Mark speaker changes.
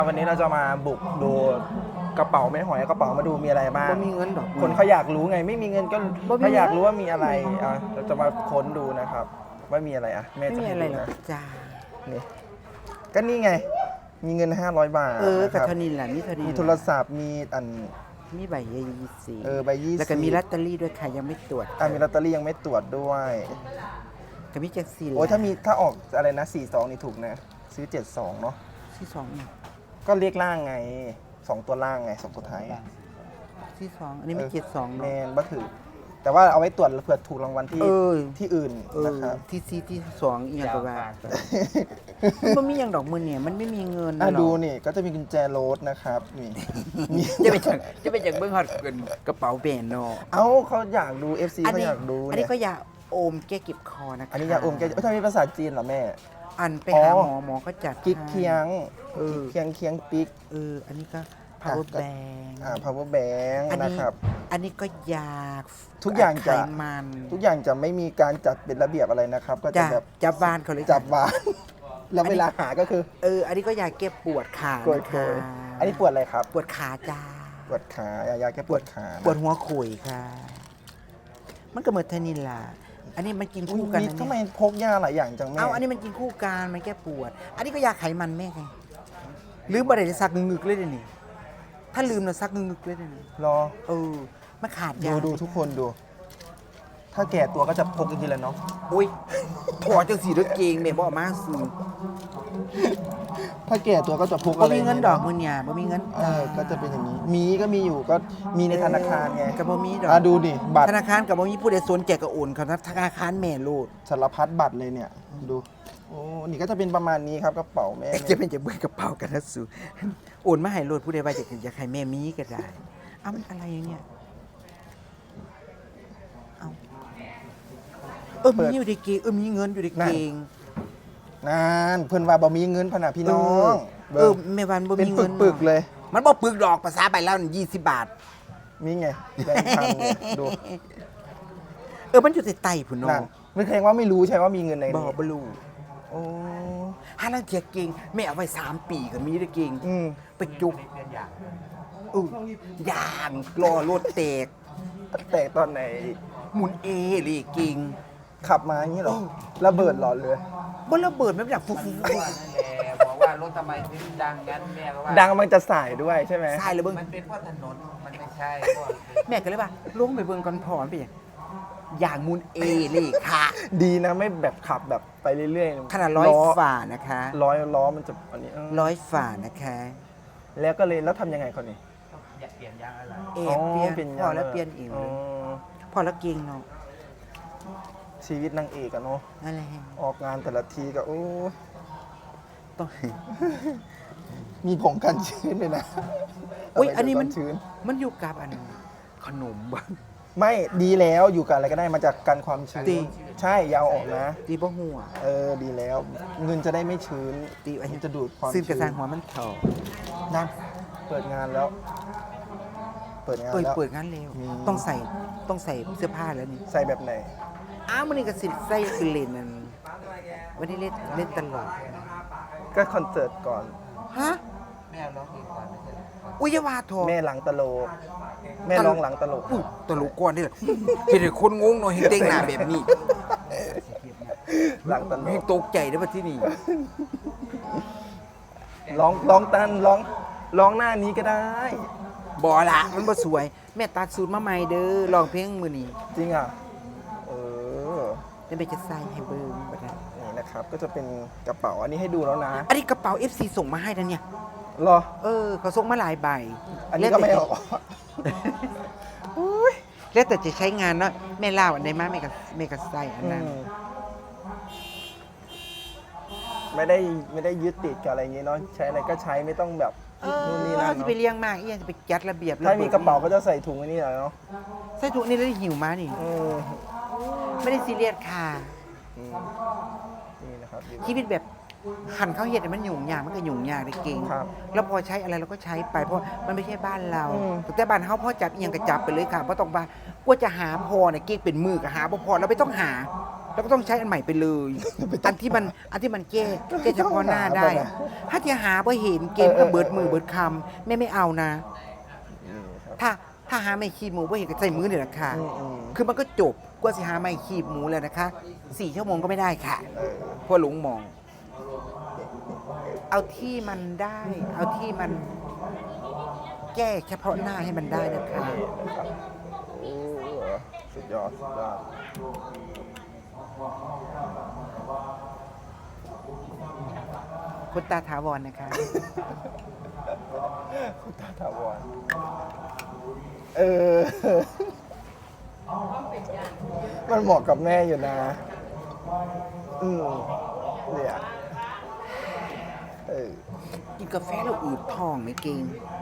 Speaker 1: วันนี้เราจะมาบุกดูกระเป๋าแม่หอยกระเป๋ามาดูมีอะไรบ้าง
Speaker 2: บ่มีเงินดอก
Speaker 1: คนเขาอยากรู้ไงไม่มีเงินก็
Speaker 2: บ่มี
Speaker 1: เขาอยากรู้ว่ามีอะไรเราจะมาค้นดูนะครับว่ามีอะไรแม่
Speaker 2: ไม่
Speaker 1: จะ
Speaker 2: มี
Speaker 1: ให้
Speaker 2: อะไร
Speaker 1: ดู
Speaker 2: หรอก
Speaker 1: นะ
Speaker 2: จ้า
Speaker 1: นี่ก็นี่ไงมีเงิน500 บาท
Speaker 2: กับ
Speaker 1: นะครับ
Speaker 2: เท่านี้แหละนี่เท่านี้
Speaker 1: มีโทรศัพท์มี
Speaker 2: มีใบ20
Speaker 1: ใบ20
Speaker 2: แล้วก็มีลอตเตอรี่ด้วยค่ะยังไม่ตรวจ
Speaker 1: มีลอตเตอรี่ยังไม่ตรวจด้วย
Speaker 2: ก็มีจังซี่
Speaker 1: โอ้ยถ้าออกอะไรนะ42นี่ถูกนะซื้อ72เนาะ
Speaker 2: ที่2เนี่ย
Speaker 1: ก็เรียกล่างไง2ตัวล่างไง2ตัวท้าย
Speaker 2: ที่2อันนี้ไม่72
Speaker 1: แม
Speaker 2: เนาะ
Speaker 1: นบ่ถือแต่ว่าเอาไว้ตรวจเผื่อถูกรางวัลที่
Speaker 2: เออ
Speaker 1: ที่อื่นนะครับ
Speaker 2: ที่4ที่2อีหยังก็ว่ามันบ่มีหยังดอกมื้อเนี่ยมันไม่มีเงิน
Speaker 1: อ่ะ
Speaker 2: หรอก
Speaker 1: ดูนี่ก็จะมีกุญแจรถนะครับนี่มี
Speaker 2: จะไปจากเบิ่งฮอดกระเป๋าแบรนด์เนาะ
Speaker 1: เอ้าเขาอยากดู FC เขาอยากดู
Speaker 2: อัน
Speaker 1: เนี่
Speaker 2: นี้
Speaker 1: ย
Speaker 2: ก็ยาโอมแก้เก็บคอนะคะ
Speaker 1: อันนี้ยาอมแกถ้ามีภาษาจีนเหรอแม่
Speaker 2: อันไป
Speaker 1: อ๋อ
Speaker 2: หาหมอก็จัด
Speaker 1: กิ๊กเคียง
Speaker 2: เออ
Speaker 1: เคียงปิ๊ก
Speaker 2: อันนี้ก็ power bank
Speaker 1: power bank
Speaker 2: อันนี้
Speaker 1: นะครับ
Speaker 2: อันนี้ก็ยา
Speaker 1: ทุกอย่างจะ
Speaker 2: ไขมัน
Speaker 1: ทุกอย่างจะไม่มีการจัดเป็นระเบียบอะไรนะครับ ก็จะ
Speaker 2: จ้ะ
Speaker 1: แบบ
Speaker 2: จับบ้านเขาเลย
Speaker 1: จับวาง แล้วเวลาหาก็คือ
Speaker 2: อันนี้ก็ยาแก้ปวดขา
Speaker 1: โกย
Speaker 2: นะคะ
Speaker 1: อันนี้ปวดอะไรครับ
Speaker 2: ปวดขาจ้า
Speaker 1: ปวดขายาแก้ปวดขานะ
Speaker 2: ปวดหัวขุยค่ะ มันก็เหมือนเทนินล่ะอันนี้มันกินคู่กัน
Speaker 1: มี
Speaker 2: นะ
Speaker 1: ทำไม
Speaker 2: เนี่ย
Speaker 1: พกยาหลายอย่างจังแม่
Speaker 2: เอาอันนี้มันกินคู่กันมันแก้ปวด อันนี้ก็ยาไขมันแม่ไงลืมบ่ได้ซักงึกๆเลยเดี๋ยวนี้ถ้าลืมนะซักงึกๆเลยเดี๋ยวนี้
Speaker 1: รอ
Speaker 2: มันขาดยา
Speaker 1: ดูทุกคนดู ถ้าแก่ตัวก็จะพกอย่างนี้แหละเนาะ
Speaker 2: อุ้ยถอดจังสีรถเกงแม่บ่เอามาซื้อ
Speaker 1: ถ้าแก่ตัวก็จะพก
Speaker 2: บ่
Speaker 1: อะไร
Speaker 2: มีเงินดอกมื้อเนี่ยบ่มีเงิน
Speaker 1: ก็จะเป็นอย่างนี้ มีก็มีอยู่ก็มีในธนาคารไง
Speaker 2: ก็บ่มีดอก
Speaker 1: ดูดิบัตร
Speaker 2: ธนาคารก็บ่มีผู้ใดสนใจก็โอนเขาธนาคารแม่โลด
Speaker 1: สารพัดบัตรเลยเนี่ย ดู โอ้ นี่ก็จะเป็นประมาณนี้ครับกระเป๋าแม่
Speaker 2: จะเป็นจะเบิ่งกระเป๋ากันนะสูโอนมาให้โลดผู้ใดว่าอยากให้แม่มีก็ได้เอ้ามันอะไรเนี่ยเอ้ามีอยู่ในเกงมีเงินอยู่ในเกง
Speaker 1: นานเพิ่นว่าบ่มีเงินพะนะพี่น้อง
Speaker 2: แม่วันบ่
Speaker 1: เป็น
Speaker 2: มีเงิน
Speaker 1: ปึกๆเลย
Speaker 2: มันบ่ปึกดอกภาษาใบแล้ว20 บาท
Speaker 1: มีไงแบงค์พันเนี่ยดู
Speaker 2: มันอยู่ใต้ไตพุ่น
Speaker 1: นั่
Speaker 2: เนาะ
Speaker 1: นไม่เคยว่าไม่รู้ใช่ว่ามีเงินใน
Speaker 2: บ่
Speaker 1: นี้
Speaker 2: บ่รู้
Speaker 1: โอ้
Speaker 2: หาลังเทียเก่งแม่เอาไว้3 ปีก็มีได้เก่ง
Speaker 1: อืม
Speaker 2: ไปจุกย่างรอรถแตก
Speaker 1: แตกตอนไหน
Speaker 2: หมุนเลยเก่ง
Speaker 1: ขับมาอย่างนี้เหรอระเบิดหลอดเลย
Speaker 2: บ่ระเบิดไม่อยากฟุก
Speaker 3: แม่บอกว่ารถทำไมถึงดังงั้นแม่ก็ว่า
Speaker 1: ดังมันจะสายด้วยใช่ไหม
Speaker 2: ใช่เลยเบิ่ง
Speaker 3: มันเป็นเพราะถนนมันไม่ใช่เพราะ
Speaker 2: แม่ก็เลยว่าลงไปเบิ่งก่อนพอมันเป็นหยังอย่างหมุนเลยค่ะ
Speaker 1: ดีนะไม่แบบขับแบบไปเรื่อยๆ
Speaker 2: ขนาดร้อย
Speaker 1: ล้
Speaker 2: ฝ่านะคะ
Speaker 1: ร้อยล้อมันจะอันนี้
Speaker 2: ร้อยฝ่านะคะ
Speaker 1: แล้วก็เลยแล้วทำยังไงคนนี้
Speaker 3: อยากเปลี่ยนยางอะไร
Speaker 2: เปลี่ยนพอแล้วเปลี่ยนอีก
Speaker 1: อ๋อ
Speaker 2: พอแล้วเก่งเนาะ
Speaker 1: ชีวิตนางเอกอะเนาะ
Speaker 2: นั่นแหละ
Speaker 1: ออกงานแต่ละทีก็โอ้ย
Speaker 2: ต้อง
Speaker 1: มีผงกันชื้นเลยนะ
Speaker 2: อุ้ย
Speaker 1: เาไว้
Speaker 2: อันนี้มัน
Speaker 1: ดูชื้น
Speaker 2: มันอยู่กับอันขนมบ้าง
Speaker 1: ไม่ดีแล้วอยู่กับอะไรก็ได้มาจากกันความชื้น
Speaker 2: ตี
Speaker 1: ใช่อยาวออกนะ
Speaker 2: ตีบ่หัว
Speaker 1: ดีแล้ว เงินจะได้ไม่ชื้น
Speaker 2: ตีอัน
Speaker 1: มั
Speaker 2: นี้
Speaker 1: นจะดูดความ
Speaker 2: ซึ่งกระ
Speaker 1: ชื้
Speaker 2: ซังหัวมันเถา
Speaker 1: นั่นเปิดงานแล้ว เปิดงาน
Speaker 2: เปิด
Speaker 1: แล้ว
Speaker 2: เปิดงานเร็ว
Speaker 1: มี
Speaker 2: ต้องใส่เสื้อผ้าแล้วนี่
Speaker 1: ใส่แบบไหน
Speaker 2: อ้าวมันนี่ก็สิใส่คือเล่นนั่นวันนี้เล่นตลอด
Speaker 1: ก็คอนเสิร์ตก่อน
Speaker 2: ฮะ
Speaker 3: แม่ร้องเพลงก่อนไม่ใช่เหรอ
Speaker 2: อุยอยาวาโท
Speaker 1: แม่หลังตลก แม่ร้องหลังตลก
Speaker 2: อุ๊ยตลกก่อนนี่แหละเห็นแต่คนงงเนาะเห็นเด้งหน้าแบบนี้
Speaker 1: หลังตล
Speaker 2: ให้
Speaker 1: ก
Speaker 2: ตกใจได้ป่ะที่นี่
Speaker 1: ร้องตันร้องหน้านี้ก็ได้
Speaker 2: บ่ละมันบ่สวย แม่ตัดสูตรมาใหม่เด้อร้องเพลงมื้อนี้
Speaker 1: จริงอ่ะ เออ
Speaker 2: จะไปจะใส่ให้เบิ่งบ่ได้
Speaker 1: นี่นะครับ ก็จะเป็นกระเป๋าอันนี้ให้ดูแล้วนะ
Speaker 2: อันนี้กระเป๋า FC ส่งมาให้นะเนี่ย
Speaker 1: รอ
Speaker 2: เขาส่งมาหลายใบ
Speaker 1: อันนี้ก็ไม่ออก
Speaker 2: แล้วแต่จะใช้งานเนาะแม่เล่าอันใดมาแม่ก็ใส่อันนั้น
Speaker 1: ไม่ได้ยึดติดกับอะไรอย่างงี้เนาะ ใช้อะไรก็ใช้ไม่ต้องแบบนู่นนี่นั่น
Speaker 2: จะ
Speaker 1: เนาะ
Speaker 2: ไปเลี้ยงมากอีหยังจะไปจัดระเบียบ
Speaker 1: ถ้ามีกระเป๋าก็จะใส่ถุงอันนี้หน่อยเนาะ
Speaker 2: ใส่ถุงนี่แล้วหิวมานี่
Speaker 1: เออ
Speaker 2: ไม่ได้ซีเรียสค่ะ
Speaker 1: อืมนี่นะครับ
Speaker 2: ชีวิตแบบหันเข้าเฮ็ดให้มันยุ่งยากมันก็ยุ่งยากได้เก่ง
Speaker 1: ครับ
Speaker 2: แล้วพอใช้อะไรเราก็ใช้ไปเพราะมันไม่ใช่บ้านเรา
Speaker 1: อืม
Speaker 2: แต่บ้านเฮาพอจับอีหยังก็จับไปเลยค่ะบ่ต้องว่ากลัวจะหาพอเนี่ยเก่งเป็นมือก็หาบ่พอเราไม่ต้องหาแล้วก็ต้องใช้อันใหม่ไปเลย อันที่มันแก้เฉพาะหน้าได้อะถ้าจะหาพอเห็นเกมก็เบิดมือเบิดคำไม่เอานะ
Speaker 1: นี่ครับ
Speaker 2: ถ้าหาไม่ขีบหมูพอเห็นก็ใส่มือเนี่ยแหละค่ะ
Speaker 1: อืม
Speaker 2: คือมันก็จบกว่าสิหาไม่ขีบหมูแล้วนะคะ4 ชั่วโมงก็ไม่ได้ค่ะ
Speaker 1: เออ
Speaker 2: เพราะหลงมอง เอาที่มันได้ เอาที่มันแก้เฉพาะหน้าให้มันได้นะคะ
Speaker 1: นี่นะครับโอ้สุดยอดสุดยอด
Speaker 2: คุณตาถาวรนะคะ
Speaker 1: คุณตาถาวรเออ มันเหมาะกับแม่อยู่นะ เนี่ย เออ
Speaker 2: กินกาแฟแล้วอืดท้องไหมเก่ง